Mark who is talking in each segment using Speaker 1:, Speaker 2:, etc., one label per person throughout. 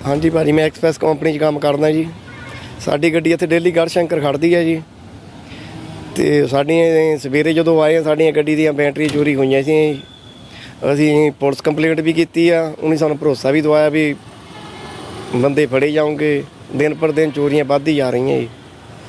Speaker 1: ਹਾਂਜੀ ਭਾਜੀ, ਮੈਂ ਐਕਸਪ੍ਰੈਸ ਕੰਪਨੀ 'ਚ ਕੰਮ ਕਰਦਾ ਜੀ। ਸਾਡੀ ਗੱਡੀ ਇੱਥੇ ਡੇਲੀ ਗੜਸ਼ੰਕਰ ਖੜ੍ਹਦੀ ਹੈ ਜੀ। ਅਤੇ ਸਾਡੀਆਂ ਸਵੇਰੇ ਜਦੋਂ ਆਏ ਸਾਡੀਆਂ ਗੱਡੀ ਦੀਆਂ ਬੈਟਰੀ ਚੋਰੀ ਹੋਈਆਂ ਸੀ। ਅਸੀਂ ਪੁਲਿਸ ਕੰਪਲੇਂਟ ਵੀ ਕੀਤੀ ਆ। ਉਹਨੇ ਸਾਨੂੰ ਭਰੋਸਾ ਵੀ ਦਵਾਇਆ ਵੀ ਬੰਦੇ ਫੜੇ ਜਾਓਗੇ। ਦਿਨ ਪਰ ਦਿਨ ਚੋਰੀਆਂ ਵੱਧਦੀ ਜਾ ਰਹੀਆਂ ਜੀ।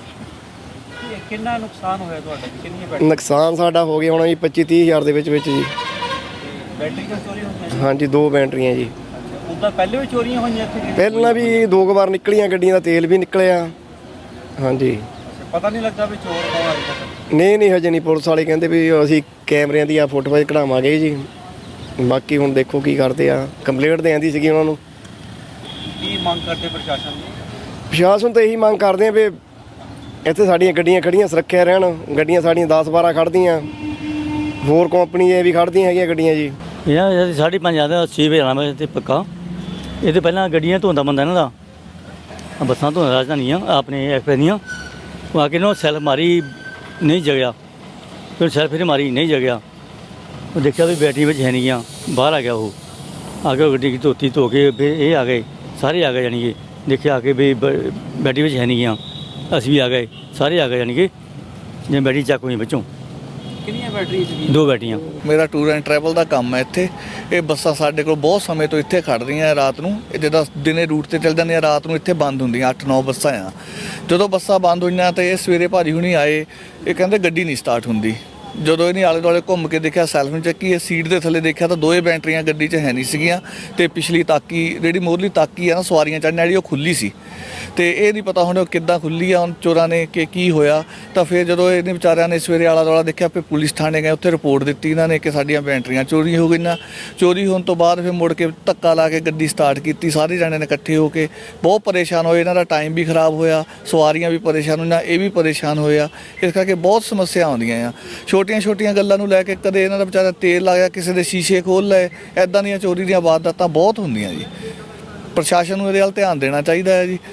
Speaker 2: ਕਿੰਨਾ ਨੁਕਸਾਨ ਹੋਇਆ ਤੁਹਾਡਾ? ਕਿੰਨੀਆਂ ਬੈਟਰੀਆਂ?
Speaker 1: ਨੁਕਸਾਨ ਸਾਡਾ ਹੋ ਗਿਆ ਹੋਣਾ ਜੀ 25-30 ਹਜ਼ਾਰ ਦੇ ਵਿੱਚ ਜੀ।
Speaker 2: ਬੈਟਰੀਆਂ ਚੋਰੀ ਹੋਈਆਂ?
Speaker 1: ਹਾਂਜੀ, 2 ਬੈਟਰੀਆਂ ਜੀ।
Speaker 2: ਉਦਾਂ ਪਹਿਲੇ ਵੀ ਚੋਰੀਆਂ ਹੋਈਆਂ ਇੱਥੇ?
Speaker 1: ਪਹਿਲਾਂ ਵੀ 2 ਵਾਰ ਨਿਕਲੀਆਂ ਗੱਡੀਆਂ ਦਾ ਤੇਲ ਵੀ ਨਿਕਲਿਆ। ਹਾਂਜੀ।
Speaker 2: ਪਤਾ ਨਹੀਂ ਲੱਗਾ ਵੀ ਚੋਰ ਕੌਣ ਆਇਆ?
Speaker 1: ਨਹੀਂ ਹਜੇ ਨਹੀਂ। ਪੁਲਿਸ ਵਾਲੇ ਕਹਿੰਦੇ ਵੀ ਅਸੀਂ ਕੈਮਰਿਆਂ ਦੀ ਫੋਟੋਆਂ ਕਢਾਵਾਂਗੇ ਜੀ। ਬਾਕੀ ਹੁਣ ਦੇਖੋ ਕੀ ਕਰਦੇ ਆ। ਕੰਪਲੇਂਟ ਦੇ ਆਂਦੀ ਸੀਗੀ ਉਹਨਾਂ ਨੂੰ।
Speaker 2: ਕੀ ਮੰਗ ਕਰਦੇ ਪ੍ਰਸ਼ਾਸਨ ਨੂੰ?
Speaker 1: ਪ੍ਰਸ਼ਾਸਨ ਤੋਂ ਇਹੀ ਮੰਗ ਕਰਦੇ ਆ ਵੀ ਇੱਥੇ ਸਾਡੀਆਂ ਗੱਡੀਆਂ ਖੜੀਆਂ ਸੁਰੱਖਿਆ ਰਹਿਣ। ਗੱਡੀਆਂ ਸਾਡੀਆਂ 10-12 ਖੜ੍ਹਦੀਆਂ, ਹੋਰ ਕੰਪਨੀ ਦੀਆਂ ਵੀ ਖੜ੍ਹਦੀਆਂ ਹੈਗੀਆਂ ਗੱਡੀਆਂ ਜੀ।
Speaker 3: ਇਹਨਾਂ 5:30 ਆਉਂਦਾ 6 ਵਜੇ ਆਉਣਾ ਮੈਂ ਤੇ ਪੱਕਾ। ਇਹ ਤੋਂ ਪਹਿਲਾਂ ਗੱਡੀਆਂ ਧੋਂਦਾ ਬੰਦਾ ਇਹਨਾਂ ਦਾ, ਬੱਸਾਂ ਧੋਂਦਾ ਰਾਜਧਾਨੀਆਂ ਆਪਣੇ ਐਕਸਪ੍ਰੈਸ ਦੀਆਂ। ਉਹ ਆ ਕੇ ਨਾ ਸੈਲਫ ਮਾਰੀ, ਨਹੀਂ ਜਗਿਆ। ਫਿਰ ਸੈਲਫ ਫਿਰ ਮਾਰੀ, ਨਹੀਂ ਜਗਿਆ। ਉਹ ਦੇਖਿਆ ਵੀ ਬੈਟਰੀ ਵਿੱਚ ਹੈ ਨਹੀਂ ਗਿਆ। ਬਾਹਰ ਆ ਗਿਆ ਉਹ। ਆ ਕੇ ਗੱਡੀ ਦੀ ਧੋਤੀ ਧੋ ਕੇ ਫਿਰ ਇਹ ਆ ਗਏ, ਸਾਰੇ ਆ ਗਏ। ਜਾਣੀ ਕਿ ਦੇਖਿਆ ਆ ਕੇ ਵੀ ਬੈਟਰੀ ਵਿੱਚ ਹੈ ਨਹੀਂ ਗਿਆ। ਅਸੀਂ ਵੀ ਆ ਗਏ, ਸਾਰੇ ਆ ਗਏ। ਜਾਣੀ ਕਿ ਜਿਵੇਂ ਬੈਟਰੀ ਚੱਕ ਹੋਈ ਵਿੱਚੋਂ।
Speaker 2: ਕਿੰਨੀਆਂ ਬੈਟਰੀਆਂ ਸੀ?
Speaker 3: 2 ਬੈਟਰੀਆਂ।
Speaker 4: ਮੇਰਾ ਟੂਰ ਐਂਡ ਟਰੈਵਲ ਦਾ ਕੰਮ ਹੈ ਇੱਥੇ। ਇਹ ਬੱਸਾਂ ਸਾਡੇ ਕੋਲ ਬਹੁਤ ਸਮੇਂ ਤੋਂ ਇੱਥੇ ਖੜ੍ਹਦੀਆਂ ਰਾਤ ਨੂੰ। ਇਹ ਜਿੱਦਾਂ ਦਿਨੇ ਰੂਟ 'ਤੇ ਚੱਲ ਜਾਂਦੀਆਂ, ਰਾਤ ਨੂੰ ਇੱਥੇ ਬੰਦ ਹੁੰਦੀਆਂ। 8-9 ਬੱਸਾਂ ਆ। ਜਦੋਂ ਬੱਸਾਂ ਬੰਦ ਹੋਈਆਂ ਤਾਂ ਇਹ ਸਵੇਰੇ ਭਾਜੀ ਹੁਣੀ ਆਏ। ਇਹ ਕਹਿੰਦੇ ਗੱਡੀ ਨਹੀਂ ਸਟਾਰਟ ਹੁੰਦੀ। ਜਦੋਂ ਇਹਨੇ ਆਲੇ ਦੁਆਲੇ ਘੁੰਮ ਕੇ ਦੇਖਿਆ, ਸੈਲਫ ਨੂੰ ਚੱਕੀ, ਇਹ ਸੀਟ ਦੇ ਥੱਲੇ ਦੇਖਿਆ ਤਾਂ 2 ਬੈਟਰੀਆਂ ਗੱਡੀ 'ਚ ਹੈ ਨਹੀਂ ਸੀਗੀਆਂ। ਅਤੇ ਪਿਛਲੀ ਤਾਕੀ ਜਿਹੜੀ ਮੋਹਰਲੀ ਤਾਕੀ ਆ ਨਾ ਸਵਾਰੀਆਂ ਚੜ੍ਹਨ ਵਾਲੀ, ਉਹ ਖੁੱਲ੍ਹੀ ਸੀ। ਅਤੇ ਇਹ ਨਹੀਂ ਪਤਾ ਹੁਣ ਉਹ ਕਿੱਦਾਂ ਖੁੱਲ੍ਹੀ ਆ ਹੁਣ ਚੋਰਾਂ ਨੇ ਕਿ ਕੀ ਹੋਇਆ। ਤਾਂ ਫਿਰ ਜਦੋਂ ਇਹਨੇ ਵਿਚਾਰਿਆਂ ਨੇ ਸਵੇਰੇ ਆਲਾ ਦੁਆਲਾ ਦੇਖਿਆ, ਫਿਰ ਪੁਲਿਸ ਥਾਣੇ ਗਏ। ਉੱਥੇ ਰਿਪੋਰਟ ਦਿੱਤੀ ਇਹਨਾਂ ਨੇ ਕਿ ਸਾਡੀਆਂ ਬੈਟਰੀਆਂ ਚੋਰੀ ਹੋ ਗਈਆਂ। ਚੋਰੀ ਹੋਣ ਤੋਂ ਬਾਅਦ ਫਿਰ ਮੁੜ ਕੇ ਧੱਕਾ ਲਾ ਕੇ ਗੱਡੀ ਸਟਾਰਟ ਕੀਤੀ। ਸਾਰੇ ਜਾਣੇ ਨੇ ਇਕੱਠੇ ਹੋ ਕੇ ਬਹੁਤ ਪਰੇਸ਼ਾਨ ਹੋਏ। ਇਹਨਾਂ ਦਾ ਟਾਈਮ ਵੀ ਖਰਾਬ ਹੋਇਆ, ਸਵਾਰੀਆਂ ਵੀ ਪਰੇਸ਼ਾਨ ਹੋਈਆਂ, ਇਹ ਵੀ ਪਰੇਸ਼ਾਨ ਹੋਏ ਆ। ਇਸ ਕਰਕੇ ਬਹੁਤ ਸਮੱਸਿਆ ਆਉਂਦੀਆਂ ਆ। ਛੋਟੀਆਂ ਗੱਲਾਂ ਨੂੰ ਲੈ ਕੇ ਕਦੇ ਇਹਨਾਂ ਦਾ ਵਿਚਾਰਾ ਤੇਲ ਲਾ ਗਿਆ, ਕਿਸੇ ਦੇ ਸ਼ੀਸ਼ੇ ਖੋਲ੍ਹ ਲਏ। ਇੱਦਾਂ ਦੀਆਂ ਚੋਰੀ ਦੀਆਂ ਵਾਰਦਾਤਾਂ ਬਹੁਤ ਹੁੰਦੀਆਂ ਜੀ। ਪ੍ਰਸ਼ਾਸਨ ਨੂੰ ਇਹਦੇ ਵੱਲ ਧਿਆਨ ਦੇਣਾ ਚਾਹੀਦਾ ਹੈ ਜੀ।